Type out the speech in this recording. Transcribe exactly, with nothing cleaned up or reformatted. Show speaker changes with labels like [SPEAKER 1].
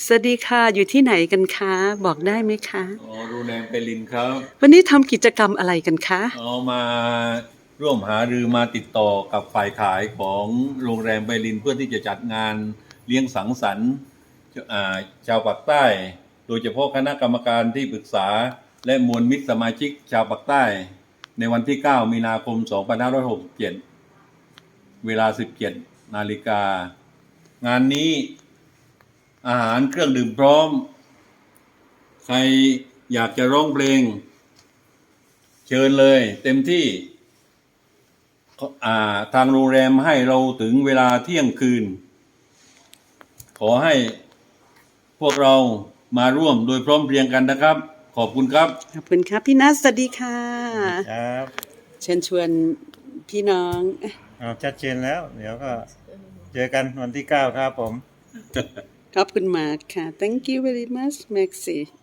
[SPEAKER 1] สวัสดีค่ะอยู่ที่ไหนกันคะบอกได้ไหมคะ
[SPEAKER 2] อ๋อโรงแรมเปรินครับ
[SPEAKER 1] วันนี้ทำกิจกรรมอะไรกันคะ
[SPEAKER 2] เอามาร่วมหารือมาติดต่อกับฝ่ายขายของโรงแรมเปรินเพื่อที่จะจัดงานเลี้ยงสังสรรค์อ่าชาวปากใต้ โดยเฉพาะคณะกรรมการที่ปรึกษาและมวลมิตรสมาชิกชาวปากใต้ ในวันที่ เก้า มีนาคม สองพันห้าร้อยหกสิบเจ็ด เวลา สิบเจ็ด นาฬิกา งานนี้อาหารเครื่องดื่มพร้อม ใครอยากจะร้องเพลงเชิญเลยเต็มที่อ่าทางโรงแรมให้เราถึงเวลาเที่ยงคืน ขอให้พวกเรามาร่วมโดยพร้อมเพรียงกันนะครับ ขอบคุณครับ
[SPEAKER 1] ขอบคุณครับพี่นัทสวัสดีค่ะ
[SPEAKER 3] ครับ
[SPEAKER 1] เชิญชวนพี่น้อง
[SPEAKER 3] เอาชัดเจนแล้ว เดี๋ยวก็เจอกันวันที่เก้าครับผม
[SPEAKER 1] ขอบคุณมากค่ะ thank you very much Maxi